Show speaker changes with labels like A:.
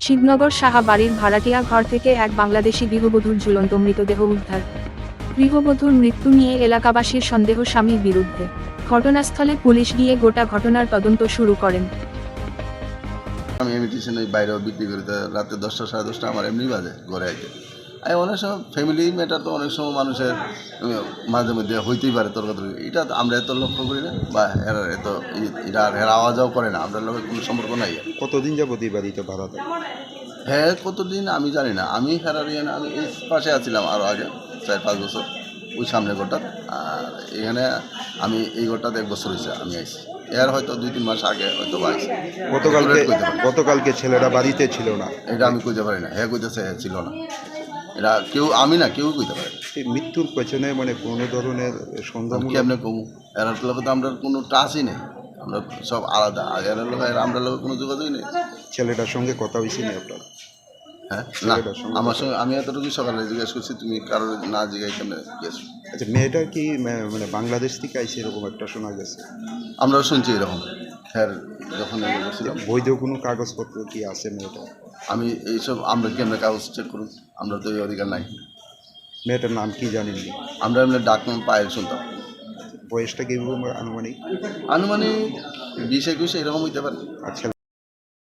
A: শিবনগর সাহা বাড়ির ভাড়াটিয়া ঘর থেকে এক বাংলাদেশি গৃহবধূর ঝুলন্ত মৃতদেহ উদ্ধার। গৃহবধূর মৃত্যু নিয়ে এলাকাবাসীর সন্দেহ স্বামীর বিরুদ্ধে। ঘটনাস্থলে পুলিশ গিয়ে গোটা ঘটনার তদন্ত শুরু করেন।
B: আমি ইমিটেশন ওই বাইরেও বিক্রি করি, তো রাতে 10টা সাড়ে 10টা আমার এমনি বাজে ঘরে আইতে। আর অনেক সময় ফ্যামিলি ম্যাটার তো অনেক সময় মানুষের মাঝে মধ্যে হইতেই পারে তর্কাতর্কি, এটা তো আমরা এত লক্ষ্য করি না, বা এরা এত এটা এরা আওয়াজও করে না, আমাদের লোকের কোনো সম্পর্ক নাই।
C: কতদিন যাবত এই বাড়িতে ভাড়া থাকে?
B: হ্যাঁ, কতদিন আমি জানি না, আমি হেরারিয়ান আমি এই পাশে আছিলাম আরও আগে 4-5 বছর ওই সামনে ঘরটা। আর এখানে আমি এই ঘরটাতে 1 বছর হয়েছে আমি আইছি, এর হয়তো 2-3 মাস আগে হয়তো আইছি।
C: গতকালকে ছেলেরা বাড়িতে ছিল না,
B: এটা আমি কইতে পারি না, হ্যাঁ কইতেছে হ্যাঁ ছিল না, এটা কেউ আমি না কেউ কইতে পারে না।
C: এই মৃত্যুর পেছনে মানে কোনো ধরনের সন্দেহ
B: কেমনে কমু, এরার লোক তো আমরা কোনো টাচই নেই, আমরা সব আলাদা। আর এরার লোক আমরা লোকের কোনো যোগাযোগই নেই।
C: ছেলেটার সঙ্গে কথা হয়েছে না আপনার?
B: হ্যাঁ না,
C: ছেলেটার সঙ্গে
B: আমার সঙ্গে আমি এতটুকু সকালে জিজ্ঞেস করছি, তুমি কারোর না জিজ্ঞাসা কেমনে গেছো।
C: আচ্ছা, মেয়েটা কি মানে বাংলাদেশ থেকে আইছে এরকম একটা শোনা গেছে?
B: আমরাও শুনছি এরকম। হ্যাঁ, যখন বলছিলাম
C: বৈধ কোনো কাগজপত্র কি আছে মেয়েটা?
B: আমি এইসব আমরা কেমনে কাগজ চেক করুন, আমরা তো এই অধিকার নাই।
C: মেয়েটার নাম কি জানেননি?
B: আমরা এমনি ডাকনাম পায়ের শুনতাম।
C: বয়সটা কি আনুমানিক?
B: আনুমানিক 20-21 এরকম হইতে পারে।
C: আচ্ছা,